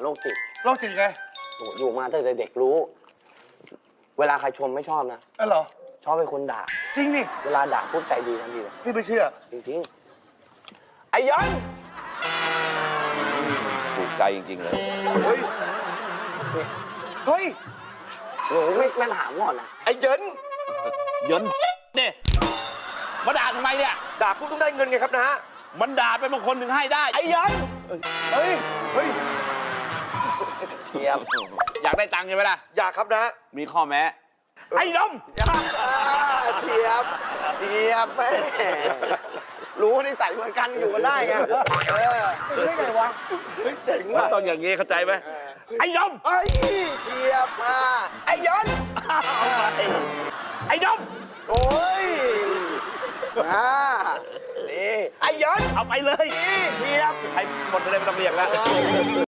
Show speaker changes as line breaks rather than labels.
โรคจิต
โรคจิตไง
โอ้อยู่มาตั้งแต่เด็กรู้ เวลาใครชมไม่ชอบนะ
เหรอ
ชอบเป็นคนด่า
จริงนี่
เวลาด่าพูดใจดีทันทีเลย
พี่ไม่เชื่อ
จริงๆไอ้ยัน
ถูกใจจริงๆเลย
เฮ้ย เฮ้ย
หนูไม่ถามก่อนนะ
ไอ้เยิน
เยินเนี่ยมาด่าทำไมเนี่ย
ด่าปุ๊บต้องได้เงินไงครับนะ
มันด่าไปบางคนถึงให้ได้
ไอ้ยัน
เฮ้ย เฮ้ย
เชียบ
อยากได้ตังค์ใช่ไหมล่ะ
อยากครับนะ
มีข้อแม้ ไอ้ดม
เชียบแม่รู้นิสัยเหมือนกันอยู่กันได้ไงได้ไงวะ
เฮ้ย เจ๋ง
มัน
ว่ะ
ต้องอย่างงี้เข้าใจไหมไอ้ดม
ไอ้เชียบมาไอ้ยัน
ไอ้ดม
โอ้ยนี่ไอ้ยัน
เอาไปเลย
เชียบ
ให้คนจะได้ไม่ต้องเรียกแล้ว